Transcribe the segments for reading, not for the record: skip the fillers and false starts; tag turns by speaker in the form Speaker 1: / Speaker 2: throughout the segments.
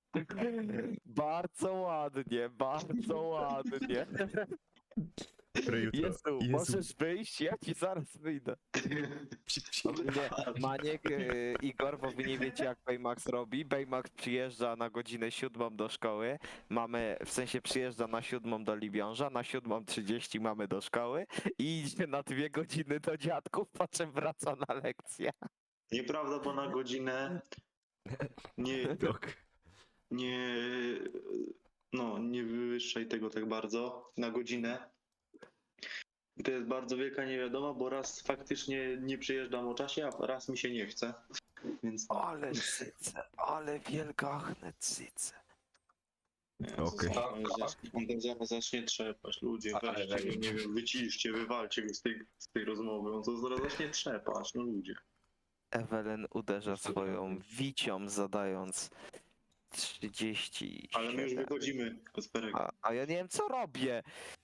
Speaker 1: Bardzo ładnie, bardzo ładnie.
Speaker 2: Które jutro.
Speaker 1: Jezu, możesz wyjść? Ja ci zaraz wyjdę.
Speaker 2: Psik, psik.
Speaker 1: Nie, Maniek, Igor, bo wy nie wiecie jak Baymax robi. Baymax przyjeżdża na godzinę 7 do szkoły, w sensie przyjeżdża na 7 do Libiąża, na 7:30 mamy do szkoły i idzie na 2 godziny do dziadków, po czym wraca na lekcję.
Speaker 3: Nieprawda, bo na godzinę nie,
Speaker 2: Dok.
Speaker 3: nie, no, nie wywyższaj tego tak bardzo. Na godzinę. I to jest bardzo wielka niewiadoma, bo raz faktycznie nie przyjeżdżam o czasie, a raz mi się nie chce. Więc
Speaker 1: Ale cyce, ale wielgachne cyce.
Speaker 2: Okej.
Speaker 3: On tam zaraz zacznie trzepać. Ludzie,
Speaker 4: Ale
Speaker 3: weźcie go,
Speaker 4: weź.
Speaker 3: nie wiem, wyciszcie, wywalcie go z tej rozmowy. On to zaraz zacznie trzepać, no ludzie.
Speaker 1: Ewelyn uderza swoją wicią, zadając 37.
Speaker 3: Ale my już wychodzimy, Kasperek.
Speaker 1: A ja nie wiem co robię.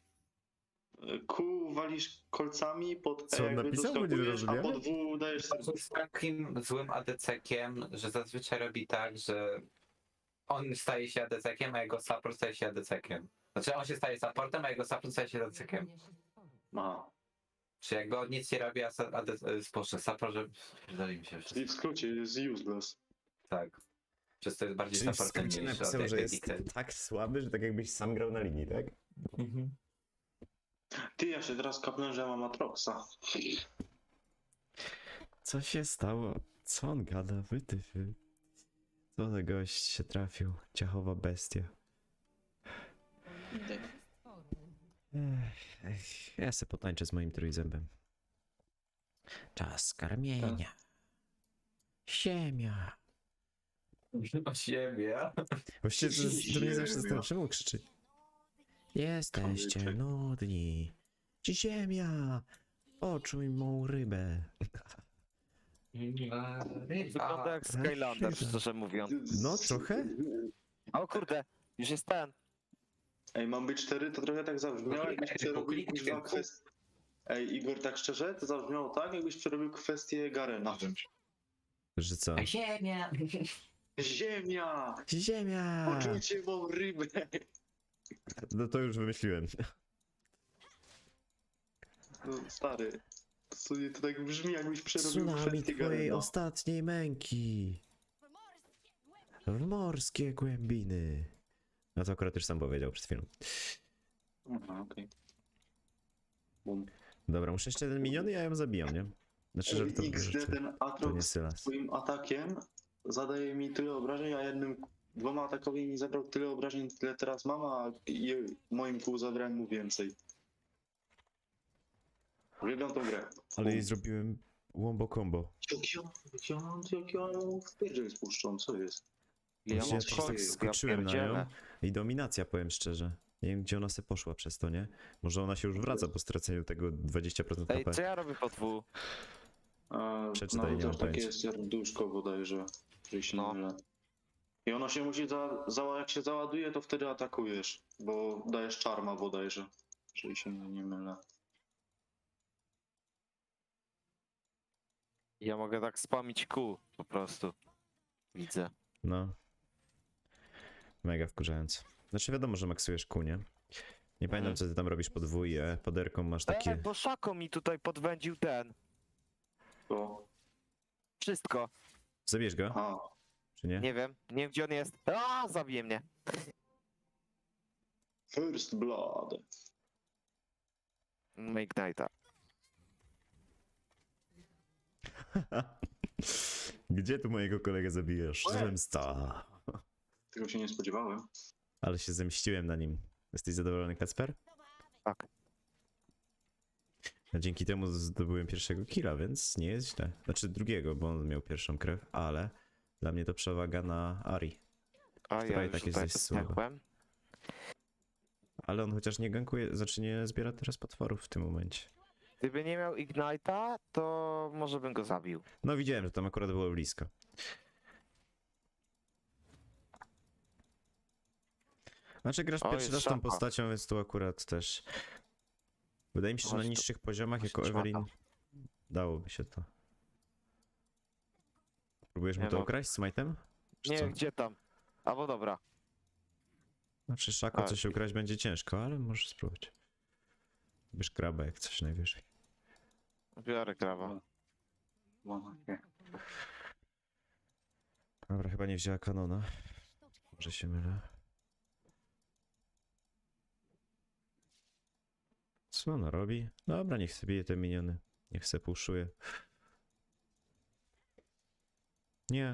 Speaker 3: Q walisz kolcami, pod
Speaker 2: Co on
Speaker 3: jakby
Speaker 2: napisał? Bo nie
Speaker 3: doskakujesz, a
Speaker 2: zrozumiałem.
Speaker 3: pod W dajesz
Speaker 4: To jest takim złym ADC-kiem, że zazwyczaj robi tak, że on staje się ADC-kiem, a jego support staje się ADC-kiem. Znaczy on się staje supportem, a jego support staje się ADC-kiem.
Speaker 3: Aha.
Speaker 4: Czy jakby on nic nie robi, a spoczę support, że... Pierdoli mi się wszystko.
Speaker 3: Czyli w skrócie jest useless.
Speaker 4: Tak. Przez to jest bardziej
Speaker 2: Czyli w
Speaker 4: supportem
Speaker 2: skrócie
Speaker 4: niż
Speaker 2: napisał, że jest
Speaker 4: ADC.
Speaker 2: tak słaby, że tak jakbyś sam grał na linii, tak?
Speaker 3: Ty, ja się teraz kapnę, że mam Atroxa.
Speaker 2: Co się stało? Co on gada? Wytyfy. Co za gość się trafił? Ciachowa bestia. Ja se potańczę z moim trójzębem. Czas karmienia. Ziemia.
Speaker 4: O ziemię.
Speaker 2: Właściwie to mnie zawsze z tym czemu krzyczy. Jesteście
Speaker 3: Kamyczek.
Speaker 2: nudni. Ziemia! Poczuj mą rybę.
Speaker 1: Wygląda jak Skylander, szczerze mówiąc.
Speaker 2: No, trochę?
Speaker 1: O kurde, już jest ten.
Speaker 3: Ej, mam być 4, to trochę tak zabrzmiało, jakbyś przerobił kuźwa kwestię. Ej, Igor, tak szczerze, to zabrzmiało tak, jakbyś przerobił kwestię Garena.
Speaker 2: Że co?
Speaker 4: Ziemia!
Speaker 3: Ziemia!
Speaker 2: Ziemia!
Speaker 3: Poczujcie mą rybę!
Speaker 2: No to już wymyśliłem.
Speaker 3: No, stary, to tak brzmi, jakbyś przerobił
Speaker 2: Tsunami
Speaker 3: kwestię
Speaker 2: twojej
Speaker 3: Garena.
Speaker 2: ostatniej męki. W morskie głębiny. No to akurat już sam powiedział przed chwilą.
Speaker 3: Aha, okej. Bum.
Speaker 2: Dobra, muszę jeszcze jeden minion i ja ją zabijam, nie? Znaczy, że to,
Speaker 3: XD, ten
Speaker 2: to nie
Speaker 3: Atrox
Speaker 2: Sylas.
Speaker 3: swoim atakiem zadaje mi tyle obrażeń, a dwoma atakowi mi zabrał tyle obrażeń, tyle teraz mam, a moim kół zabrałem mu więcej. Uwielbiam tą grę.
Speaker 2: Ale jej zrobiłem wombo combo.
Speaker 3: Jak ja w pierdziel spuszczą, co jest?
Speaker 1: Ja
Speaker 2: Właśnie
Speaker 1: mam
Speaker 2: ja też tak
Speaker 1: swoje,
Speaker 2: skoczyłem na
Speaker 1: pierdzielę.
Speaker 2: nią i dominacja, powiem szczerze. Nie wiem, gdzie ona se poszła przez to, nie? Może ona się już wraca po straceniu tego 20%
Speaker 1: Ej,
Speaker 2: HP.
Speaker 1: co ja robię po dwu?
Speaker 2: Przeczytaj,
Speaker 3: no,
Speaker 2: nie
Speaker 3: to
Speaker 2: mam
Speaker 3: takie
Speaker 2: pojęcia.
Speaker 3: jest serduszko bodajże, jeżeli się
Speaker 1: No.
Speaker 3: nie mylę. I ono się musi, jak się załaduje, to wtedy atakujesz, bo dajesz czarma bodajże, jeżeli się nie mylę.
Speaker 1: Ja mogę tak spamić kół po prostu. Widzę.
Speaker 2: No. Mega wkurzając. Znaczy wiadomo, że maksujesz kół, nie? Nie pamiętam, co ty tam robisz podwójnie, poderką masz takie...
Speaker 1: Bo Szako mi tutaj podwędził ten.
Speaker 3: To,
Speaker 1: Wszystko.
Speaker 2: Zabierz go,
Speaker 3: aha,
Speaker 2: czy nie?
Speaker 1: Nie wiem gdzie on jest. A, zabije mnie.
Speaker 3: First Blood.
Speaker 1: Ignite'a.
Speaker 2: Gdzie tu mojego kolegę zabijesz? Zemsta.
Speaker 3: Tego się nie spodziewałem.
Speaker 2: Ale się zemściłem na nim. Jesteś zadowolony, Kacper?
Speaker 1: Tak.
Speaker 2: A dzięki temu zdobyłem pierwszego killa, więc nie jest źle. Znaczy drugiego, bo on miał pierwszą krew, ale dla mnie to przewaga na Ari.
Speaker 1: A
Speaker 2: Która
Speaker 1: ja
Speaker 2: i
Speaker 1: już
Speaker 2: tak jest
Speaker 1: tutaj
Speaker 2: dość słaba.
Speaker 1: dostępłem.
Speaker 2: Ale on chociaż nie gankuje, znaczy nie zbiera teraz potworów w tym momencie.
Speaker 1: Gdyby nie miał Ignite'a, to może bym go zabił.
Speaker 2: No widziałem, że tam akurat było blisko. Znaczy grasz
Speaker 1: O,
Speaker 2: pierwszy
Speaker 1: jest
Speaker 2: raz tą
Speaker 1: szapa.
Speaker 2: postacią, więc tu akurat też... Wydaje mi się, że na
Speaker 1: Chodź tu.
Speaker 2: niższych poziomach
Speaker 1: Chodź
Speaker 2: jako
Speaker 1: tu,
Speaker 2: Evelyn
Speaker 1: szmata.
Speaker 2: dałoby się to. Próbujesz mu
Speaker 1: Nie
Speaker 2: to
Speaker 1: mogę.
Speaker 2: ukraść z smite'em? Czy
Speaker 1: Nie,
Speaker 2: co?
Speaker 1: gdzie tam? Albo dobra.
Speaker 2: Znaczy Szako
Speaker 1: A,
Speaker 2: coś ukraść będzie ciężko, ale możesz spróbować. Bierz kraba jak coś najwyżej.
Speaker 1: Biorę krawa.
Speaker 2: Dobra, chyba nie wzięła kanona. Może się mylę. Co ona robi? Dobra, niech sobie bije te miniony. Niech se puszuje. Nie.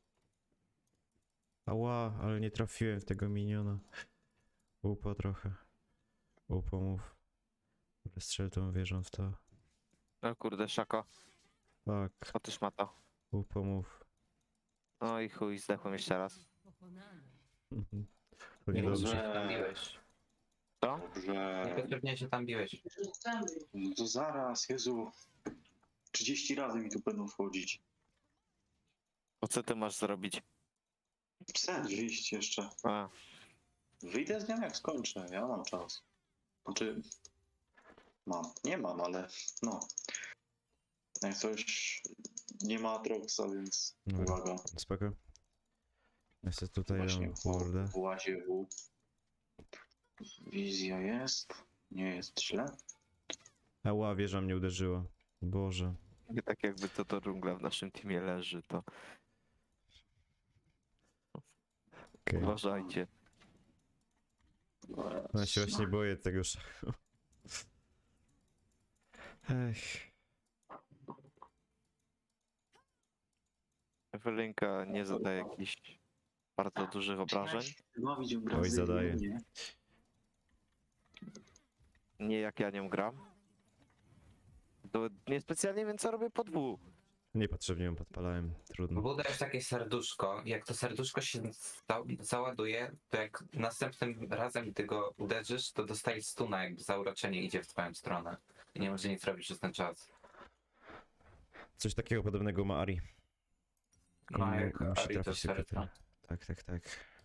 Speaker 2: Ała, ale nie trafiłem w tego miniona. Upo trochę. Upomów. Strzel tą wieżą w to.
Speaker 1: No kurde, Szako.
Speaker 2: Tak,
Speaker 1: Otóż ma to.
Speaker 2: upomów.
Speaker 1: No i chuj, zdechłem jeszcze raz.
Speaker 2: Mhm. To
Speaker 4: Nie
Speaker 2: niedobrze.
Speaker 4: się tam biłeś.
Speaker 1: Co?
Speaker 3: Dobrze.
Speaker 4: Niepotrzebnie się tam biłeś.
Speaker 3: No to zaraz, Jezu. 30 razy mi tu będą wchodzić.
Speaker 1: To co ty masz zrobić?
Speaker 3: Chcę wyjść jeszcze.
Speaker 1: A,
Speaker 3: Wyjdę z nią jak skończę, ja mam czas. Znaczy... Mam. Nie mam, ale no. Jak coś... Nie ma Atroxa, więc
Speaker 2: Dobra.
Speaker 3: uwaga.
Speaker 2: Spoko. Ja sobie tutaj
Speaker 3: Właśnie
Speaker 2: dam mordę.
Speaker 3: w łazie W. Wizja jest. Nie jest źle.
Speaker 2: Ała, wieża mnie uderzyła. Boże.
Speaker 1: nie tak jakby to dżungla w naszym teamie leży, to
Speaker 2: Okej.
Speaker 1: uważajcie.
Speaker 2: Ja się właśnie boję tego szachu. Ech.
Speaker 1: Ewelinka nie zadaje jakichś bardzo dużych obrażeń.
Speaker 3: Bawić w
Speaker 2: Oj, zadaje.
Speaker 3: Brazylii, nie?
Speaker 1: Nie jak ja nią gram. To niespecjalnie wiem co robię po dwóch.
Speaker 2: Niepotrzebnie ją podpalałem. Trudno.
Speaker 4: Budujesz takie serduszko. Jak to serduszko się załaduje, to jak następnym razem gdy go uderzysz, to dostajesz stuna, jakby zauroczenie idzie w twoją stronę. I nie może nic robić przez ten czas.
Speaker 2: Coś takiego podobnego ma Ari.
Speaker 4: No, jak
Speaker 2: Musi
Speaker 4: Ari to
Speaker 2: trafić sekretarza. Tak, tak, tak.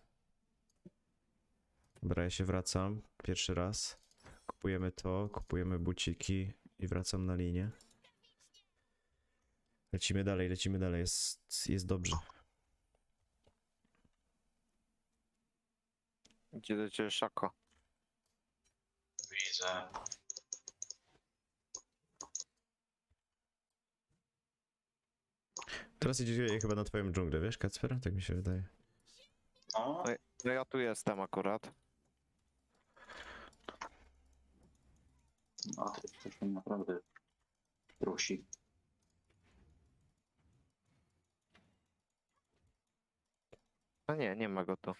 Speaker 2: Dobra, ja się wracam. Pierwszy raz. Kupujemy to, kupujemy buciki i wracam na linię. Lecimy dalej. Jest dobrze.
Speaker 1: Idzie do ciebie Szako.
Speaker 3: Widzę.
Speaker 2: Teraz idzie chyba na twoją dżunglę, wiesz, Kacper? Tak mi się wydaje.
Speaker 3: O,
Speaker 1: No ja tu jestem akurat.
Speaker 3: Atryk coś mnie naprawdę prosi.
Speaker 1: No nie, nie ma go tu.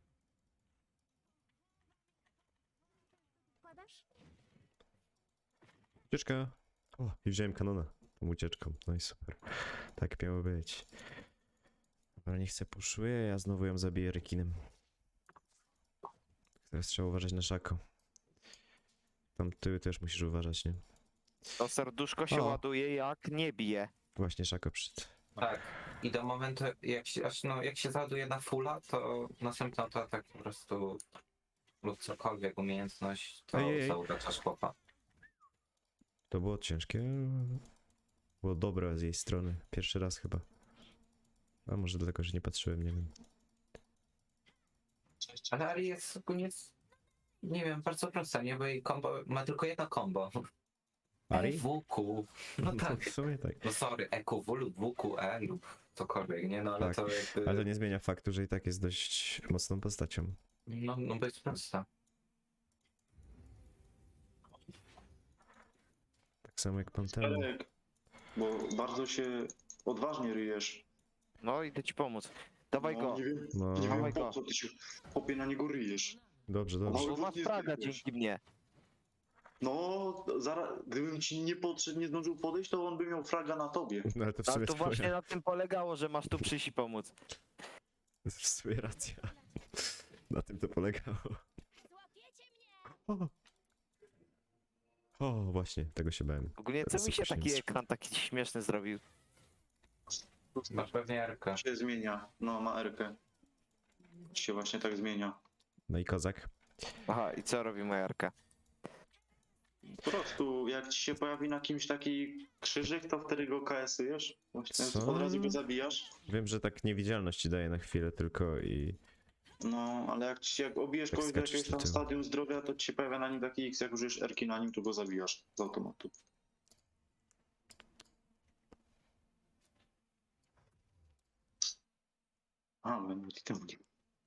Speaker 2: Ucieczka. O, i wziąłem kanona tą ucieczką. No i super. Tak miało być. Dobra, nie chcę puszuje, ja znowu ją zabiję rekinem. Teraz trzeba uważać na Szako. Tam ty też musisz uważać, nie?
Speaker 1: To serduszko się
Speaker 2: O.
Speaker 1: ładuje jak nie bije.
Speaker 2: Właśnie Szako przyszedł.
Speaker 4: Tak. I do momentu, jak się załaduje na fulla, to następną to tak po prostu lub cokolwiek umiejętność, to
Speaker 2: Ej.
Speaker 4: zauraczasz chłopa.
Speaker 2: To było ciężkie. Było dobre z jej strony. Pierwszy raz chyba. A może dlatego, że nie patrzyłem, nie wiem.
Speaker 4: Ale Ari jest ogólnie, nie wiem, bardzo prosta, nie? Bo jej combo ma tylko jedno combo.
Speaker 2: Ari?
Speaker 4: EWQ. No tak.
Speaker 2: W sumie tak.
Speaker 4: No sorry, EQW lub WQE lub cokolwiek, nie? No ale
Speaker 2: Tak,
Speaker 4: to jakby...
Speaker 2: Ale to nie zmienia faktu, że i tak jest dość mocną postacią.
Speaker 4: No bo jest prosta.
Speaker 2: Tak samo jak Pantera.
Speaker 3: Elek, bo bardzo się odważnie ryjesz.
Speaker 1: No idę ci pomóc. Dawaj
Speaker 3: No,
Speaker 1: go.
Speaker 3: nie wiem,
Speaker 2: No,
Speaker 3: nie wiem
Speaker 1: Dawaj
Speaker 3: po
Speaker 1: go.
Speaker 3: co ty się chłopie na niego ryjesz.
Speaker 2: dobrze, dobrze.
Speaker 1: Bo masz fraga dzięki mnie.
Speaker 3: No, zaraz, gdybym ci nie podszedł, nie zdążył podejść, to on by miał fraga na tobie.
Speaker 2: No ale to w
Speaker 1: Ale
Speaker 2: sumie
Speaker 1: to właśnie
Speaker 2: twoja,
Speaker 1: na tym polegało, że masz tu przyjść i pomóc.
Speaker 2: to jest w sumie racja. Na tym to polegało. O. O, właśnie, tego się bałem.
Speaker 1: Ogólnie co
Speaker 2: Teraz
Speaker 1: mi się
Speaker 2: super
Speaker 1: taki
Speaker 2: się
Speaker 1: ekran taki śmieszny zrobił?
Speaker 4: Masz pewnie Arkę.
Speaker 3: Się zmienia. No, ma Erkę. Się właśnie tak zmienia.
Speaker 2: No i kozak.
Speaker 1: Aha, i co robi moja Arka?
Speaker 3: Po prostu, jak ci się pojawi na kimś taki krzyżyk, to wtedy go KS-ujesz. Właśnie
Speaker 2: Co?
Speaker 3: od razu go zabijasz.
Speaker 2: Wiem, że tak niewidzialność ci daje na chwilę tylko i
Speaker 3: No, ale jak obijesz
Speaker 2: Tak
Speaker 3: kogoś do
Speaker 2: skaczesz
Speaker 3: jakiegoś
Speaker 2: do
Speaker 3: tam
Speaker 2: tyłu.
Speaker 3: stadium zdrowia, to ci się pojawia na nim taki X, jak użyjesz erki na nim, to go zabijasz z automatu. A, będę temu nie.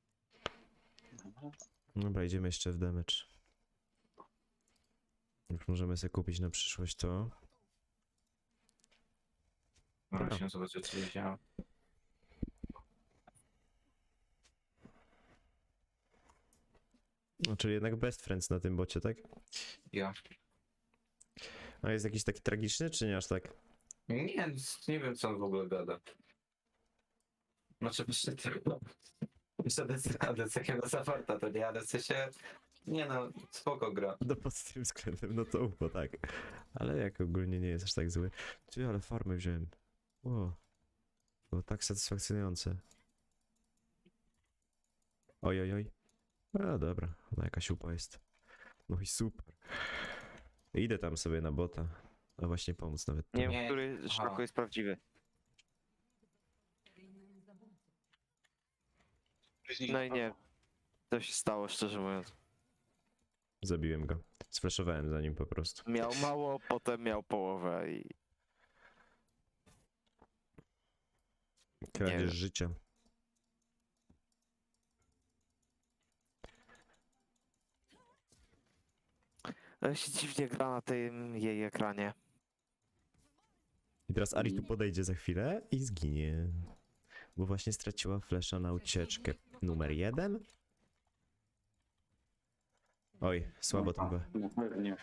Speaker 2: Dobra, idziemy jeszcze w damage. Już możemy sobie kupić na przyszłość to.
Speaker 4: Musimy zobaczyć, co się działo.
Speaker 2: No, czyli jednak best friends na tym bocie, tak?
Speaker 4: Ja.
Speaker 2: A jest jakiś taki tragiczny, czy nie aż tak?
Speaker 4: Nie, nie wiem, co on w ogóle gada. Znaczy, przy tym, jeszcze ADC na Safarta, to nie, ale w sensie, nie no, spoko gra.
Speaker 2: No pod tym względem, no to UFO, tak. Ale jak ogólnie nie jest aż tak zły. Ty, ale farmy wziąłem. O. Było tak satysfakcjonujące. Oj, oj, oj. A dobra, no jakaś upa jest. No i super. Idę tam sobie na bota. A właśnie pomóc nawet.
Speaker 1: Nie
Speaker 2: tu.
Speaker 1: wiem,
Speaker 4: Nie,
Speaker 1: który
Speaker 4: aha.
Speaker 1: szlako jest prawdziwy. No i nie. Co się stało, szczerze mówiąc.
Speaker 2: Zabiłem go. Sflashowałem za nim po prostu.
Speaker 1: Miał mało, potem miał połowę i...
Speaker 2: Kradzież
Speaker 1: wiem.
Speaker 2: życia.
Speaker 1: Ale się dziwnie gra na tym jej ekranie.
Speaker 2: I teraz Ari tu podejdzie za chwilę i zginie. Bo właśnie straciła flesza na ucieczkę. Numer 1. Oj, słabo to było.
Speaker 3: No pewnie.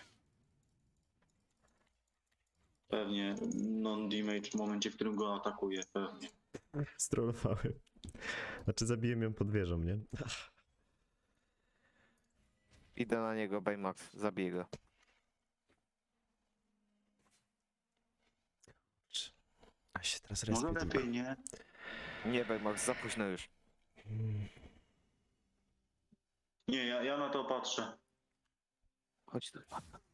Speaker 3: Pewnie non-damage w momencie, w którym go atakuje, pewnie.
Speaker 2: Strollowałem. Znaczy zabiłem ją pod wieżą, nie?
Speaker 1: Idę na niego, Baymax, zabiję go.
Speaker 2: A się teraz
Speaker 3: Może
Speaker 2: respię tylko.
Speaker 3: lepiej, nie?
Speaker 1: Nie, Baymax, za późno już.
Speaker 3: Nie, ja na to patrzę.
Speaker 1: Chodź tu.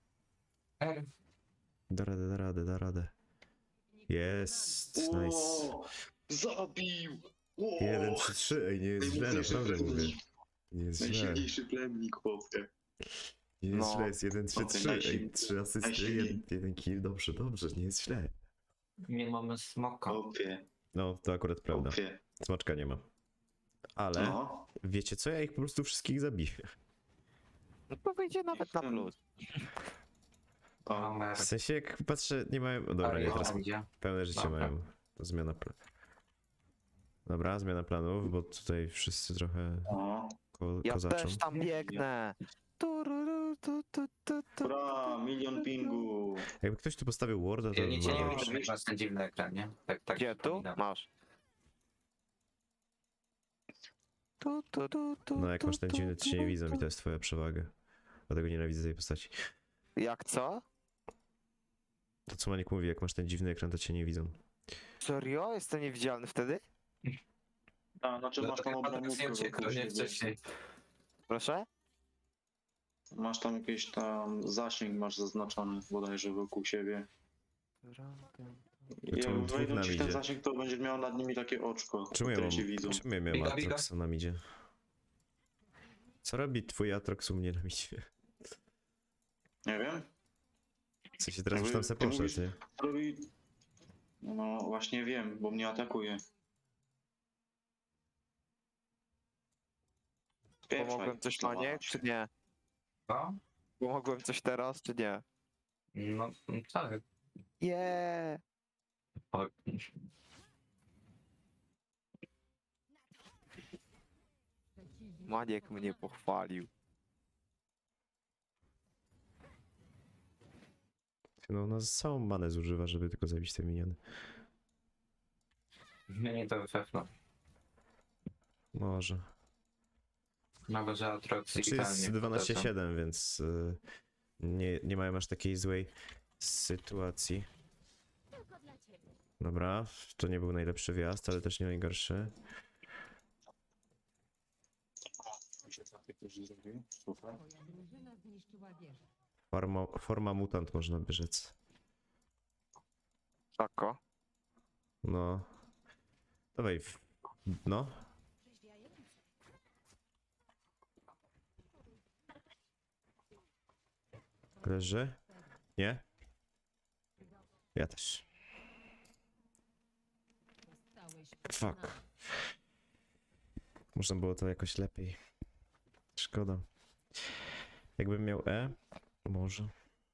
Speaker 2: Da radę, da radę, da radę. Jest, nice.
Speaker 3: O, zabił! O,
Speaker 2: 1, 3, 3. Ej, nie jest źle,
Speaker 3: najmocniejszy
Speaker 2: naprawdę mówię.
Speaker 3: plemnik.
Speaker 2: Nie jest źle.
Speaker 3: Najsilniejszy plemnik, chłopie.
Speaker 2: Nie jest
Speaker 1: No.
Speaker 2: źle, jest 1, 3, 3. Ej,
Speaker 3: Najsilniej-
Speaker 2: 3 asysty,
Speaker 3: najsilniej.
Speaker 2: 1 kill. Dobrze, dobrze, nie jest źle.
Speaker 4: Nie mamy smoka.
Speaker 3: Chłopie,
Speaker 2: No, to akurat prawda.
Speaker 3: chłopie.
Speaker 2: Smaczka nie ma. Ale
Speaker 3: No,
Speaker 2: wiecie co? Ja ich po prostu wszystkich zabiję.
Speaker 1: No to wyjdzie nawet na plus.
Speaker 3: o,
Speaker 4: Mamy
Speaker 2: W sensie jak patrzę, nie mają... Dobra, nie, teraz
Speaker 4: idzie.
Speaker 2: pełne życie
Speaker 4: Dobra.
Speaker 2: mają. Zmiana planów. Dobra, zmiana planów, bo tutaj wszyscy trochę
Speaker 3: o.
Speaker 1: Ja
Speaker 2: kozaczą.
Speaker 1: też tam biegnę. Tururu, tu, tu, tu, tu.
Speaker 3: Bra, milion pingu.
Speaker 2: Jakby ktoś tu postawił warda, to
Speaker 4: Ja
Speaker 2: by
Speaker 4: nie
Speaker 2: było
Speaker 4: nie
Speaker 2: dobrze.
Speaker 4: wiem, masz ten dziwny ekran, nie? Tak
Speaker 1: Gdzie tu?
Speaker 4: przypominam.
Speaker 1: Masz. Tu, tu, tu, tu,
Speaker 2: No jak
Speaker 1: tu,
Speaker 2: masz ten
Speaker 1: tu,
Speaker 2: dziwny, to się nie
Speaker 1: tu,
Speaker 2: widzą i
Speaker 1: tu.
Speaker 2: to jest twoja przewaga. Dlatego nienawidzę tej postaci.
Speaker 1: Jak co?
Speaker 2: To co Maniek mówi, jak masz ten dziwny ekran, to cię nie widzą.
Speaker 1: Serio? Jestem niewidzialny wtedy?
Speaker 3: A, znaczy masz tam
Speaker 4: Dlatego Patryk nie
Speaker 3: obramówkę
Speaker 4: uciekł,
Speaker 3: wokół
Speaker 4: nie
Speaker 3: siebie.
Speaker 4: wcześniej.
Speaker 1: Proszę?
Speaker 3: Masz tam jakiś tam zasięg masz zaznaczony bodajże wokół siebie. I
Speaker 2: To
Speaker 3: jak
Speaker 2: dwóch
Speaker 3: wejdą
Speaker 2: nam
Speaker 3: ci w ten
Speaker 2: idzie.
Speaker 3: zasięg, to będziesz miał nad nimi takie oczko,
Speaker 2: Czemu ja
Speaker 3: które
Speaker 2: mam,
Speaker 3: cię widzą.
Speaker 2: czemu ja miałem
Speaker 4: Biga, biga.
Speaker 2: Atroxa na midzie? Co robi twój Atrox u mnie na midzie?
Speaker 3: Nie wiem.
Speaker 2: W sensie teraz już
Speaker 3: Jakby
Speaker 2: tam se
Speaker 3: ty
Speaker 2: poszedł,
Speaker 3: mówisz-
Speaker 2: nie?
Speaker 3: Robi... No właśnie wiem, bo mnie atakuje.
Speaker 1: Pomogłem coś Maniek, czy nie?
Speaker 4: Co?
Speaker 1: Pomogłem coś teraz, czy nie?
Speaker 4: No, tak.
Speaker 1: Yeah!
Speaker 4: O,
Speaker 1: Maniek mnie pochwalił.
Speaker 2: No ona całą manę zużywa, żeby tylko zabić te miniony.
Speaker 4: nie to wyfefno.
Speaker 2: Może.
Speaker 4: Nawet, że Atrox
Speaker 2: Znaczy jest 12-7, więc nie mają aż takiej złej sytuacji. Dobra, to nie był najlepszy wjazd, ale też nie najgorszy. Forma mutant można by rzec.
Speaker 1: Tako.
Speaker 2: No. Dawaj. No. Leży? Nie? Ja też. Fuck. Można było to jakoś lepiej. Szkoda. Jakbym miał E? Może.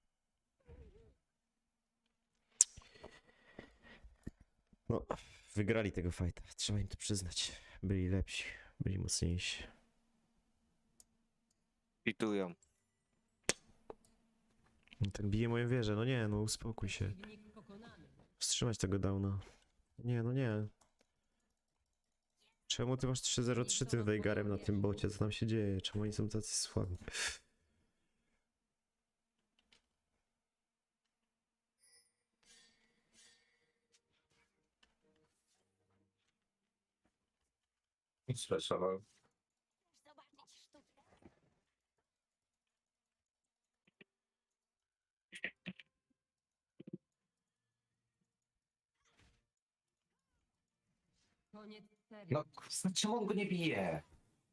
Speaker 2: No, wygrali tego fighta. Trzeba im to przyznać. Byli lepsi. Byli mocniejsi.
Speaker 1: Pitują.
Speaker 2: Ten bije moją wieżę. No nie, no uspokój się. Wstrzymać tego downa. Nie, no nie. Czemu ty masz 3-0-3 tym Veigarem na tym bocie? Co tam się dzieje? Czemu oni są tacy słabi?
Speaker 4: Sfreshował.
Speaker 5: Koniec serii.
Speaker 4: No, czemu on go nie bije?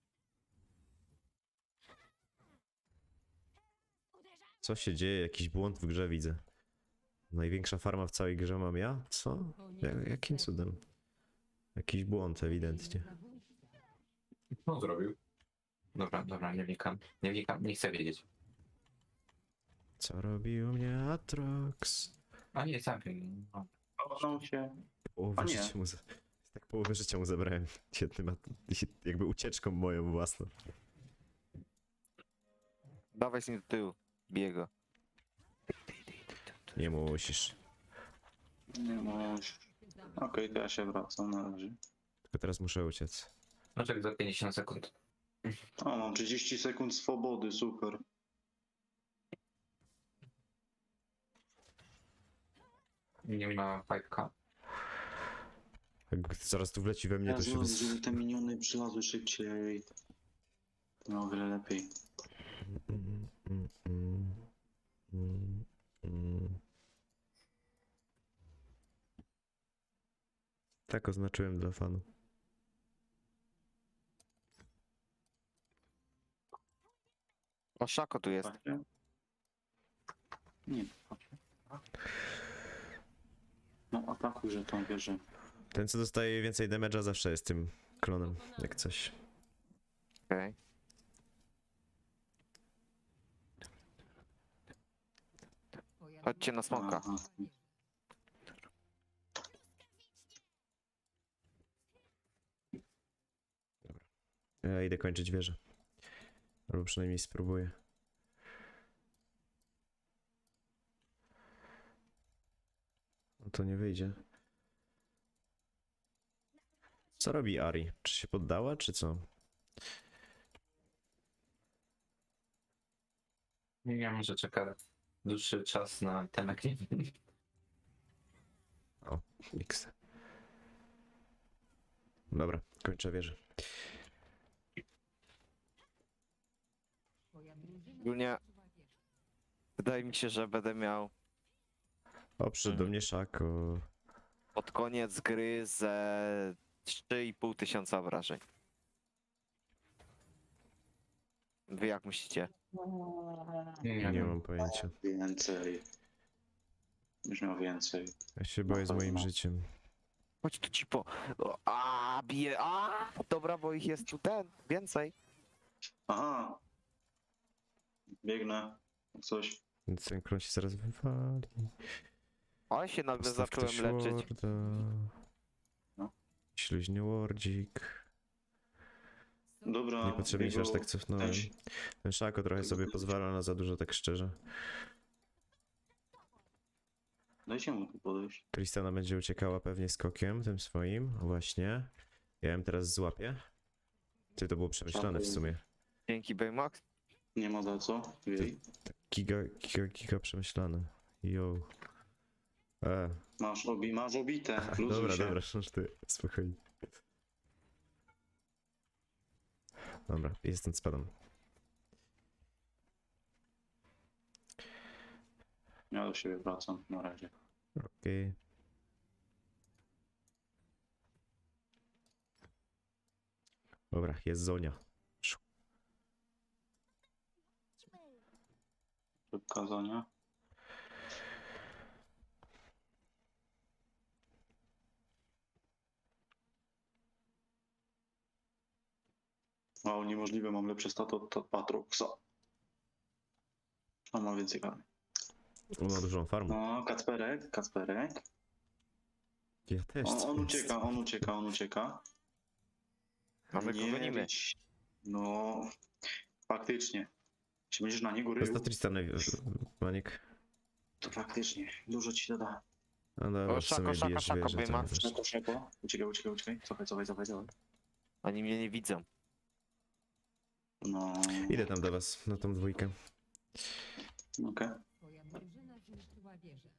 Speaker 2: Co się dzieje? Jakiś błąd w grze widzę. Największa farma w całej grze mam ja? Co? Jakim cudem? Jakiś błąd ewidentnie.
Speaker 4: Co on zrobił? Dobra, dobra, nie wnikam. Nie wnikam, nie chcę wiedzieć.
Speaker 2: Co robił mnie Atrox?
Speaker 4: A nie, zabił. No.
Speaker 3: Cofnął się.
Speaker 2: Połowę
Speaker 3: A nie.
Speaker 2: życia mu tak połowę życia mu zabrałem. Jednym jakby ucieczką moją własną.
Speaker 1: Dawaj z nim do tyłu. Biega.
Speaker 2: Nie musisz.
Speaker 3: Nie ma. Okej, to ja się wracam na razie.
Speaker 2: Tylko teraz muszę uciec.
Speaker 4: No czek za 50 sekund.
Speaker 3: O, mam 30 sekund swobody, super.
Speaker 4: Nie ma fajka.
Speaker 2: Jak zaraz tu wleci we mnie,
Speaker 3: Ja
Speaker 2: to się
Speaker 3: znowu, żeby te miniony przylazły szybciej. To o wiele lepiej.
Speaker 2: Tak oznaczyłem dla fanów.
Speaker 1: O, Szako tu jest.
Speaker 3: Patrzcie. Nie, patrzcie. No atakuj, że tą wieżę.
Speaker 2: Ten, co dostaje więcej damage'a, zawsze jest tym klonem, jak coś.
Speaker 1: Okej. Chodźcie na smoka.
Speaker 3: Aha.
Speaker 2: Ja idę kończyć wieżę. Albo przynajmniej spróbuję. No to nie wyjdzie. Co robi Ari? Czy się poddała, czy co?
Speaker 4: Nie wiem, może czeka dłuższy czas na temat.
Speaker 2: O, X. Dobra, kończę wieżę.
Speaker 1: Ogólnie wydaje mi się, że będę miał
Speaker 2: O, przyszedł do mnie Szako.
Speaker 1: pod koniec gry ze 3,5 tysiąca obrażeń. Wy jak myślicie?
Speaker 2: Nie mam pojęcia.
Speaker 3: Więcej. Już miał więcej.
Speaker 2: Ja się boję z moim życiem.
Speaker 1: Chodź tu ci po... O, bije... Dobra, bo ich jest tu więcej.
Speaker 3: Aha. Biegnę. Coś.
Speaker 2: Więc ten klon się zaraz wywali.
Speaker 1: Ale się nagle
Speaker 2: Postaw
Speaker 1: zacząłem
Speaker 2: ktoś
Speaker 1: leczyć.
Speaker 2: warda.
Speaker 3: No.
Speaker 2: Śluźny wardzik.
Speaker 3: Dobra.
Speaker 2: Niepotrzebnie się aż
Speaker 3: jego-
Speaker 2: tak cofnąłem. Ten Szako trochę sobie pozwala na za dużo, tak szczerze.
Speaker 3: Dajcie mu tu podejść.
Speaker 2: Tristana będzie uciekała pewnie skokiem, tym swoim. Właśnie. Ja ją teraz złapię. Ty, to było przemyślane w sumie.
Speaker 1: Dzięki Baymax.
Speaker 3: Nie ma za co. Jej.
Speaker 2: Giga przemyślane. Yo.
Speaker 3: Masz obite. Luzuj
Speaker 2: Dobra,
Speaker 3: się.
Speaker 2: dobra, już ty, spokojnie. Dobra, jestem spadam.
Speaker 3: Ja do siebie wracam na razie.
Speaker 2: Okej. Dobra, jest Zonia.
Speaker 3: To kazania. Wow, niemożliwe, mam lepsze staty od Patroxa. On ma więcej karmy.
Speaker 2: On ma dużą farmę.
Speaker 3: No, Kacperek.
Speaker 2: Ja też.
Speaker 3: On
Speaker 2: co jest?
Speaker 3: ucieka, on ucieka.
Speaker 1: A my go
Speaker 3: Nie
Speaker 1: gonimy.
Speaker 3: być- No, faktycznie. Jeśli będziesz na niego
Speaker 2: To jest
Speaker 3: rył,
Speaker 2: to Tristana, Maniek.
Speaker 3: to faktycznie dużo ci to da.
Speaker 2: No dobra,
Speaker 1: O,
Speaker 2: w sumie
Speaker 1: szako,
Speaker 2: bijesz
Speaker 1: szako,
Speaker 2: wieżę, to
Speaker 1: Baymax.
Speaker 2: nie też.
Speaker 3: Szeko. Uciekaj. Cofaj.
Speaker 1: Oni mnie nie widzą.
Speaker 3: No,
Speaker 2: Idę tam do was, na tą dwójkę.
Speaker 3: okej.
Speaker 5: Twoja drużyna zniszczyła wieżę.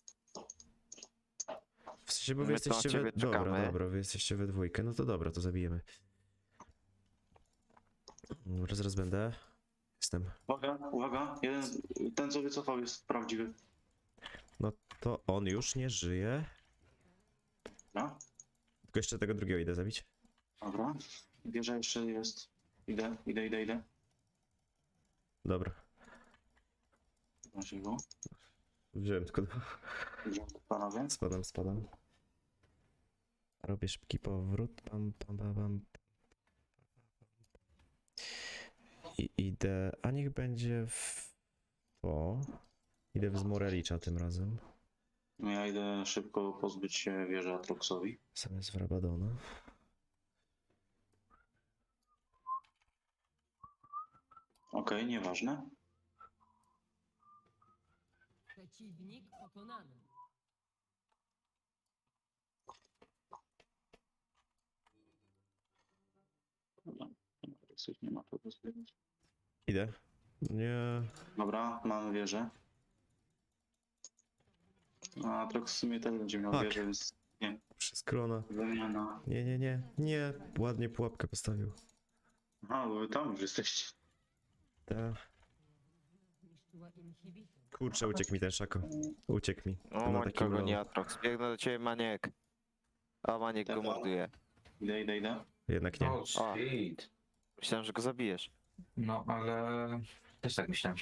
Speaker 2: W sensie, bo wy
Speaker 1: My tu na
Speaker 2: jesteście
Speaker 1: ciebie
Speaker 2: Dobra,
Speaker 1: czekamy.
Speaker 2: wy jesteście we dwójkę, no to dobra, to zabijemy. Dobra, zaraz będę. Jestem.
Speaker 3: Uwaga. Ten co wycofał jest prawdziwy.
Speaker 2: No to on już nie żyje.
Speaker 3: Dobra.
Speaker 2: Tylko jeszcze tego drugiego idę zabić.
Speaker 3: Dobra. Wieża jeszcze jest. Idę.
Speaker 2: Dobra.
Speaker 3: Macie go.
Speaker 2: Wziąłem tylko
Speaker 3: Idziemy, panowie.
Speaker 2: Spadam. Robię szybki powrót. Pam. I idę. A niech będzie w to. Idę w Zmorelicza tym razem.
Speaker 3: No ja idę szybko pozbyć się wieży Atroxowi.
Speaker 2: Zamiast w Rabadona.
Speaker 3: Okej, nieważne.
Speaker 5: Przeciwnik pokonany.
Speaker 3: Dobra. Nie ma co zbierać.
Speaker 2: Idę. Nie.
Speaker 3: Dobra, mamy wieżę. A Atrox w sumie też będzie miał
Speaker 2: Tak.
Speaker 3: wieżę, więc
Speaker 2: Przez krona.
Speaker 3: wymiana.
Speaker 2: Nie. Ładnie pułapkę postawił.
Speaker 3: Aha, bo wy tam już jesteście.
Speaker 2: Ta.
Speaker 5: Zniszczyła inhibitor.
Speaker 2: Kurczę, uciekł mi ten szako. Uciekł mi.
Speaker 1: O,
Speaker 2: Na
Speaker 1: Mańka
Speaker 2: takim
Speaker 1: go nie
Speaker 2: low.
Speaker 1: Atrox. Biegnę do ciebie, Maniek. A Maniek go
Speaker 3: Dobra.
Speaker 1: morduje.
Speaker 3: Idę.
Speaker 2: Jednak nie.
Speaker 4: Oh shit.
Speaker 1: Myślałem, że go zabijesz.
Speaker 4: No ale też tak myślałem.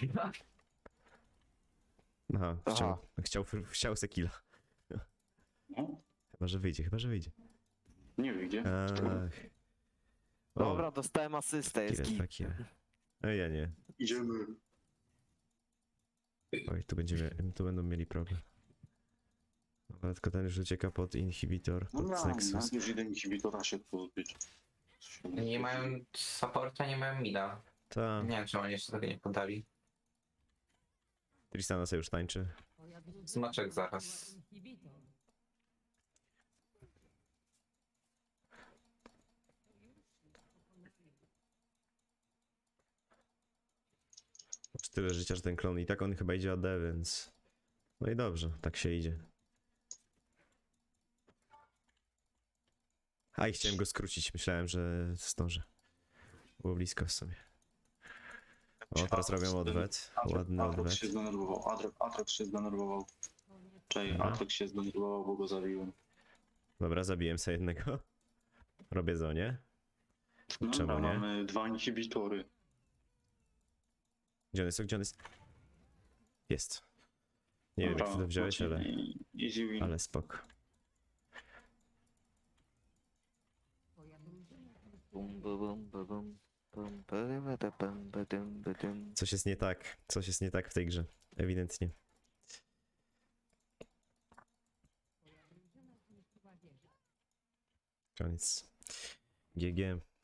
Speaker 2: Aha, chciał se killa.
Speaker 3: No,
Speaker 2: Chyba, że wyjdzie.
Speaker 3: nie wyjdzie.
Speaker 2: Ach. O,
Speaker 1: Dobra, dostałem asystę, jest
Speaker 2: kill,
Speaker 1: git.
Speaker 2: takie. A ja nie.
Speaker 3: Idziemy.
Speaker 2: Oj, tu będą mieli problem. Ale tylko ten już ucieka pod inhibitor,
Speaker 3: No
Speaker 2: pod Nexus.
Speaker 3: już idę inhibitora się pozbyć.
Speaker 4: Nie mają supporta, nie mają mida.
Speaker 2: Ta,
Speaker 4: Nie wiem, czemu oni jeszcze tego nie podali.
Speaker 2: Tristana sobie już tańczy.
Speaker 5: Twoja drużyna
Speaker 4: Smaczek
Speaker 5: zniszczyła
Speaker 4: zaraz.
Speaker 5: inhibitor.
Speaker 2: Masz tyle życia, że ten klon i tak on chyba idzie AD, więc... No i dobrze, tak się idzie. A i chciałem go skrócić, myślałem, że zdążę. Było blisko w sumie. O, teraz robią odwet. Ładny
Speaker 3: Atrox
Speaker 2: odwet.
Speaker 3: się zdenerwował. Atrox się zdenerwował. Czej,
Speaker 2: Aha.
Speaker 3: Atrox się zdenerwował, bo go zabiłem.
Speaker 2: Dobra, zabiłem sobie jednego. Robię zonie.
Speaker 3: No,
Speaker 2: Czemu
Speaker 3: dobra,
Speaker 2: nie?
Speaker 3: mamy 2 inhibitory.
Speaker 2: Gdzie on jest? Jest. Nie wiem, jak ty to wziąłeś, ale...
Speaker 3: Easy win.
Speaker 2: Ale spoko.
Speaker 5: Twoja drużyna
Speaker 1: Bum, bum, bum, bum, bum, bum, bum, bum, bum, bum.
Speaker 2: Coś jest nie tak. Coś jest nie tak w tej grze. Ewidentnie.
Speaker 5: zniszczyła wieżę.
Speaker 2: Koniec. GG.